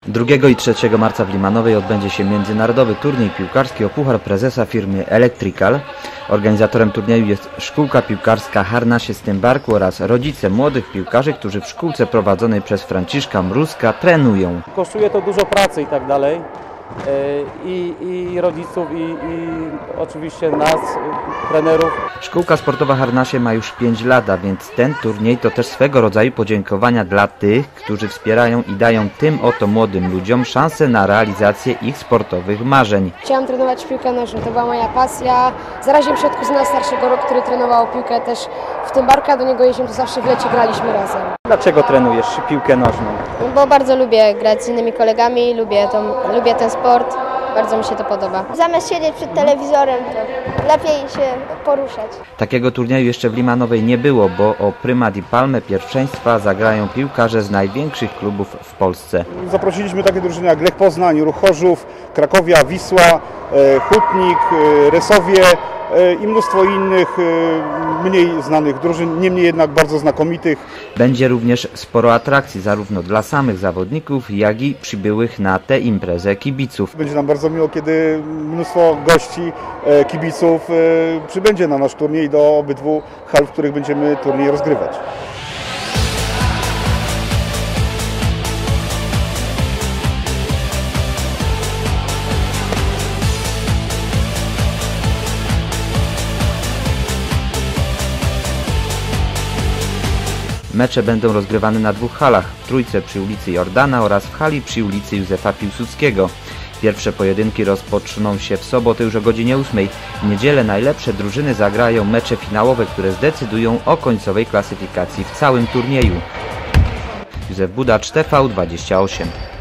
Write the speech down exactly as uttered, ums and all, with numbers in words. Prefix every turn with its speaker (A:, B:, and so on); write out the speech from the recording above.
A: drugiego i trzeciego marca w Limanowej odbędzie się międzynarodowy turniej piłkarski o Puchar Prezesa firmy Electrical. Organizatorem turnieju jest szkółka piłkarska Harnasie z Tymbarku oraz rodzice młodych piłkarzy, którzy w szkółce prowadzonej przez Franciszka Mruzka trenują.
B: Kosztuje to dużo pracy i tak dalej. I, i rodziców, i, i oczywiście nas, trenerów.
A: Szkółka sportowa Harnasie ma już pięć lat, a więc ten turniej to też swego rodzaju podziękowania dla tych, którzy wspierają i dają tym oto młodym ludziom szansę na realizację ich sportowych marzeń.
C: Chciałam trenować piłkę nożną, to była moja pasja. Zaraziłem się od kuzyna starszego, który trenował piłkę też w Tymbarku, a do niego jeździłem, to zawsze w lecie graliśmy razem.
B: Dlaczego trenujesz piłkę nożną?
C: Bo bardzo lubię grać z innymi kolegami, lubię, tą, lubię ten sport, bardzo mi się to podoba.
D: Zamiast siedzieć przed telewizorem, to lepiej się poruszać.
A: Takiego turnieju jeszcze w Limanowej nie było, bo o prymat i palmę pierwszeństwa zagrają piłkarze z największych klubów w Polsce.
E: Zaprosiliśmy takie drużyny jak Lech Poznań, Ruch Chorzów, Krakowia, Wisła, Hutnik, Resowie i mnóstwo innych mniej znanych drużyn, niemniej jednak bardzo znakomitych.
A: Będzie również sporo atrakcji zarówno dla samych zawodników, jak i przybyłych na tę imprezę kibiców.
E: Będzie nam bardzo miło, kiedy mnóstwo gości, kibiców przybędzie na nasz turniej do obydwu hal, w których będziemy turniej rozgrywać.
A: Mecze będą rozgrywane na dwóch halach, w Trójce przy ulicy Jordana oraz w hali przy ulicy Józefa Piłsudskiego. Pierwsze pojedynki rozpoczną się w sobotę już o godzinie ósmej. W niedzielę najlepsze drużyny zagrają mecze finałowe, które zdecydują o końcowej klasyfikacji w całym turnieju. Józef Budacz, T V dwadzieścia osiem.